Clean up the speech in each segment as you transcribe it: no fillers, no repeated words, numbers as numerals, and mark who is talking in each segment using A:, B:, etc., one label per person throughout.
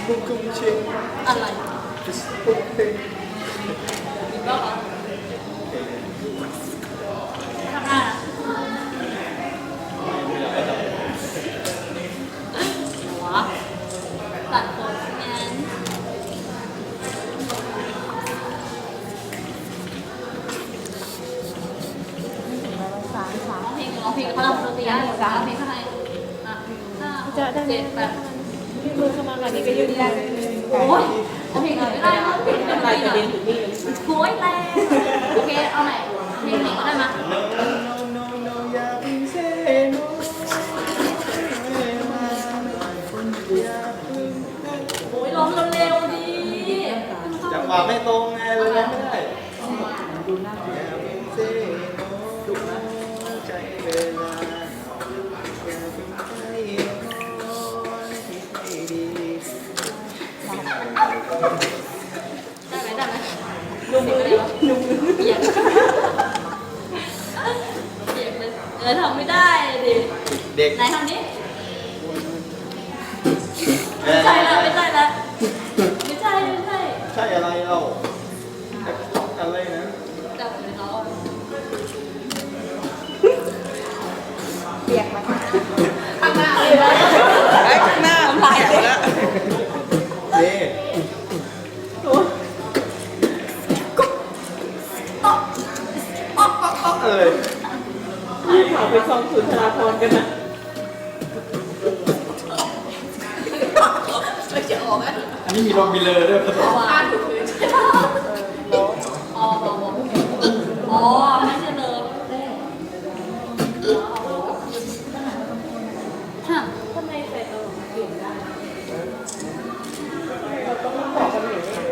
A: บุกกุ้งเชง
B: อะไร
A: บุกเพลง
B: อีกรอบเหรอทำหน้าหัวตัดผมงั้นร้องเพลงเขาทำดนตรีได้ร้องเพลงข้างในอ่ะ5 6 7 8
C: พี่มือเข้ามาแบบนี้ก็ยืนได้
B: โอ้ยเอาเพลงอื่นไม่ได้เพราะเพลงดนตรีอ่ะโอ้ยแรงโอเคเอาไหนเพลงไหนก็ได้มา
A: no no อย่าเพิ่งเซโนอย่าเพิ่ง
B: โอ้ยร้องเร็วๆดี
A: จังหวะไม่ตรงไงเลยไม่ได้อย่าเพิ่งเซโนดุนะใจเวลาอย่าเพิ่งใจร้อนคิดให้ดี
B: ได้ไหมลุงมือลุงมือเปียกเปียกเลยทำไม่ได้ดิ
A: เด็ก
B: ไหนทำนี้ไม่ใช่แล้วไม่ใช่แล้วไม่ใช่ไม่ใช่
A: ใช่อะไรเราอะไรนะ
B: จับเลยเรา
C: เปียกมา
B: ข้างหน้าเลยนะ
C: ข้างหน้าลายแล้ว
A: เย่เอ้ย
C: พี่ขอไปซองสุนทราพรกันนะ
B: ไม่จะออกอ่ะ
A: อันนี้มีลมมีเลอด้วยผสม
B: อ่านถูกเลยใช่ป่ะอ๋อไม่ใช่เลยฮะ
C: ทำไมใส่ตัวเปลี่ยนได้เราต้องบอกกันอย่างนี้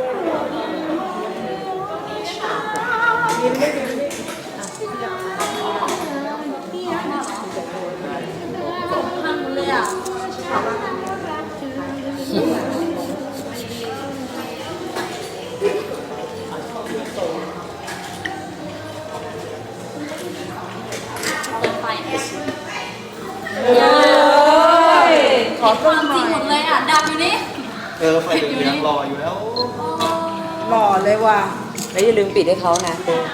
C: ด้วยยิ้มได้ยิ้มได้
B: ทำเลยอ่ะเปิดไฟขอความจริงหมดเลยอ่ะดับอยู่นี่
A: ไฟเหลืองๆรออยู่แล้ว
C: หล่อเลยว่ะแล้วอย่าลืมปิดให้เขานะ